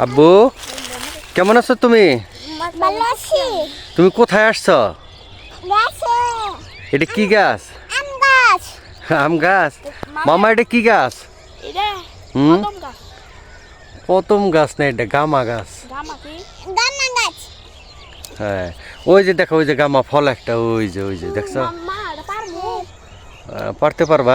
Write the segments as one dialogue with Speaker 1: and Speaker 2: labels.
Speaker 1: আব্বু কেমন আছো তুমি?
Speaker 2: ভালো আছি।
Speaker 1: তুমি কোথায় আসছো?
Speaker 2: গাছে
Speaker 1: এটা কি গাছ?
Speaker 2: আম গাছ।
Speaker 1: আম গাছ। মামা এটা কি গাছ?
Speaker 3: এটা
Speaker 1: হুম,
Speaker 3: কদম গাছ।
Speaker 1: প্রথম গাছ না, এটা গামা গাছ।
Speaker 3: গামা কি?
Speaker 2: গামা গাছ।
Speaker 1: হ্যাঁ, ওই যে দেখো, ওই যে গামা ফল একটা, ওই যে দেখছো?
Speaker 3: মা এটা পারবো?
Speaker 1: পারতে পারবা?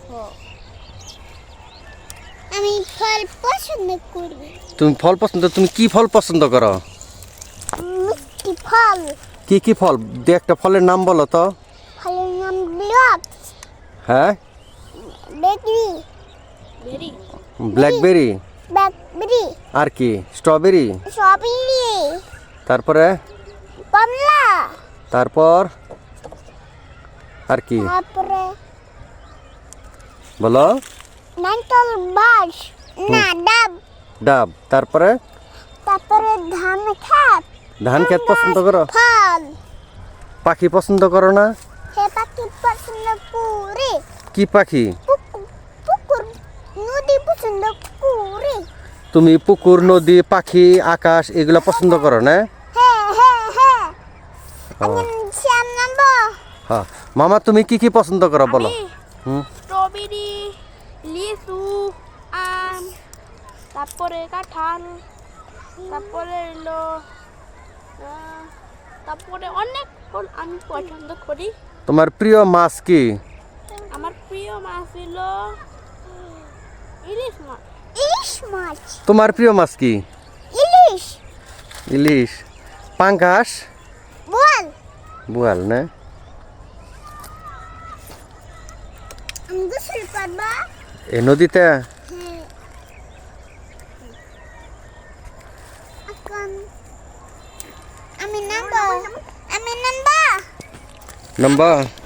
Speaker 2: আমি ফল পছন্দ করি।
Speaker 1: তুমি ফল পছন্দ, তুমি কি ফল পছন্দ করো?
Speaker 2: মিষ্টি ফল।
Speaker 1: কি কি ফল? দু একটা ফলের নাম বলো তো।
Speaker 2: ফলের নাম ব্লক,
Speaker 1: হ্যাঁ,
Speaker 2: বেকরি,
Speaker 3: ভেরি।
Speaker 1: ব্ল্যাকবেরি,
Speaker 2: ব্ল্যাকবেরি,
Speaker 1: আর কি, স্ট্রবেরি,
Speaker 2: স্ট্রবেরি,
Speaker 1: তারপরে,
Speaker 2: কমলা,
Speaker 1: তারপর আর কি
Speaker 2: তারপরে
Speaker 1: বলো?
Speaker 2: নারকেল বাস, না ডাব,
Speaker 1: ডাব, তারপরে
Speaker 2: তারপরে ধান খেত।
Speaker 1: ধান খেত পছন্দ করো?
Speaker 2: ফল।
Speaker 1: পাখি পছন্দ করো না?
Speaker 2: সে পাখি পছন্দ করি।
Speaker 1: কি পাখি?
Speaker 2: পুকুর, নদী পছন্দ করি।
Speaker 1: তুমি পুকুর, নদী, পাখি, আকাশ এগুলা পছন্দ করো না?
Speaker 2: হ্যাঁ হ্যাঁ হ্যাঁ।
Speaker 1: ও,
Speaker 2: আমি শ্যাম নাম্বো।
Speaker 1: হ্যাঁ। মামা তুমি কি কি পছন্দ করো বলো?
Speaker 3: আমি
Speaker 1: হুম,
Speaker 3: স্ট্রবেরি, লিচু, আম, তারপরে কাঁঠাল, তারপরে হলো তারপরে অনেক ফল আমি পছন্দ করি।
Speaker 1: তোমার প্রিয় মাছ কি?
Speaker 3: আমার প্রিয় মাছ হলো ইলিশ মাছ।
Speaker 2: ইলিশ মাছ।
Speaker 1: তোমার প্রিয় মাছ কি?
Speaker 2: ইলিশ।
Speaker 1: ইলিশ, পাঙ্গাস,
Speaker 2: বল।
Speaker 1: বোয়াল না?
Speaker 2: আমি গোসল করবো।
Speaker 1: এই নদীতে?
Speaker 2: হ্যাঁ। এখন আমি নামবো। আমি নামবো।
Speaker 1: নাম্বা